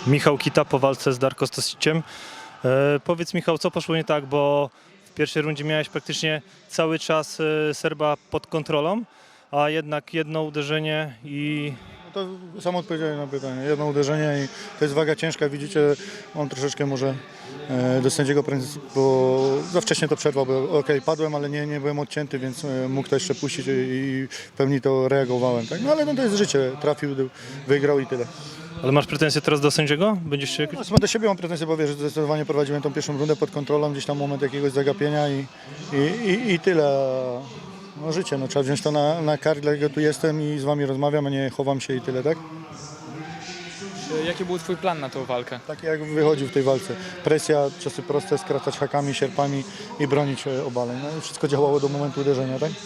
Michał Kita po walce z Darko Stosiciem. Powiedz, Michał, co poszło nie tak, bo w pierwszej rundzie miałeś praktycznie cały czas Serba pod kontrolą, a jednak jedno uderzenie i... No to sam odpowiedziałem na pytanie. Jedno uderzenie i to jest waga ciężka. Widzicie, on troszeczkę może do sędziego, bo za wcześnie to przerwał, bo okej, padłem, ale nie byłem odcięty, więc mógł to jeszcze puścić i w pełni to reagowałem. Tak? No ale no, to jest życie. Trafił, wygrał i tyle. Ale masz pretensje teraz do sędziego? Będziesz się... No, do siebie mam pretensje, bo wiesz, że zdecydowanie prowadziłem tą pierwszą rundę pod kontrolą, gdzieś tam moment jakiegoś zagapienia i tyle. No życie, no, trzeba wziąć to na kark, dlatego tu jestem i z wami rozmawiam, a nie chowam się i tyle, tak? Jaki był twój plan na tą walkę? Tak jak wychodził w tej walce. Presja, ciosy proste, skracać hakami, sierpami i bronić obaleń. No i wszystko działało do momentu uderzenia, tak?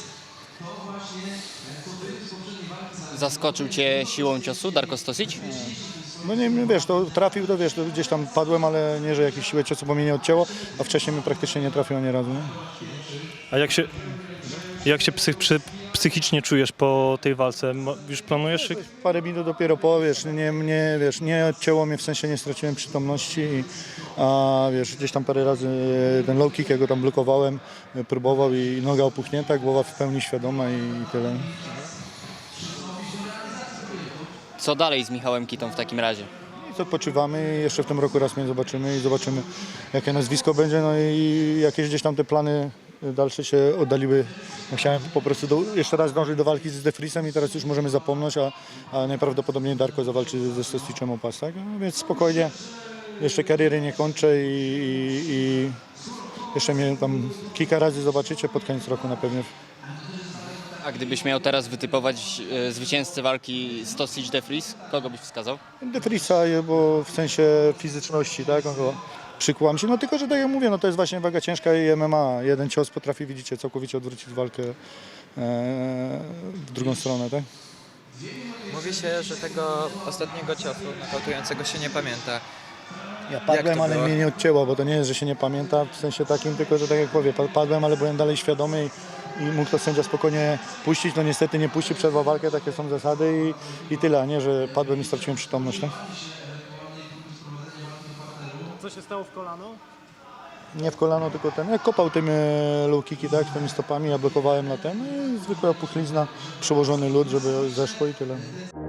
Zaskoczył Cię siłą ciosu Darko Stosic? No nie, wiesz, to trafił, to wiesz, to gdzieś tam padłem, ale nie, że jakieś siłę ciosu, bo mnie nie odcięło, a wcześniej mi praktycznie nie trafiło ani razu, nie? A jak się psychicznie czujesz po tej walce? Już planujesz? Parę minut dopiero po, wiesz, nie odcięło mnie, w sensie nie straciłem przytomności, a wiesz, gdzieś tam parę razy ten low kick, ja go tam blokowałem, próbował i noga opuchnięta, głowa w pełni świadoma i tyle. Co dalej z Michałem Kitą w takim razie? I odpoczywamy, jeszcze w tym roku raz mnie zobaczymy i zobaczymy, jakie nazwisko będzie, no i jakieś gdzieś tam te plany dalsze się oddaliły. No, chciałem po prostu jeszcze raz dążyć do walki z De Vriesem i teraz już możemy zapomnieć, a najprawdopodobniej Darko zawalczy ze Stosicem o pas, tak? No, więc spokojnie, jeszcze kariery nie kończę i jeszcze mnie tam kilka razy zobaczycie pod koniec roku na pewno. A gdybyś miał teraz wytypować zwycięzcę walki Stosic-De Vries, kogo byś wskazał? De Vriesa, bo w sensie fizyczności, tak? On go przykłam się, no tylko, że tak jak mówię, no to jest właśnie waga ciężka i MMA. Jeden cios potrafi, widzicie, całkowicie odwrócić walkę w drugą stronę, tak? Mówi się, że tego ostatniego ciosu nokautującego się nie pamięta. Ja padłem, ale było? mnie nie odcięło, bo to nie jest, że się nie pamięta w sensie takim, tylko, że tak jak powiem, padłem, ale byłem dalej świadomy i mógł to sędzia spokojnie puścić, no niestety nie puści, przerwał walkę, takie są zasady i tyle, a nie, że padłem i straciłem przytomność, tak? Co się stało w kolano? Nie w kolano, tylko ten, jak kopał tym low kicki, tak, tymi stopami, ja blokowałem na ten, no i zwykła puchlizna, przełożony lód, żeby zeszło i tyle.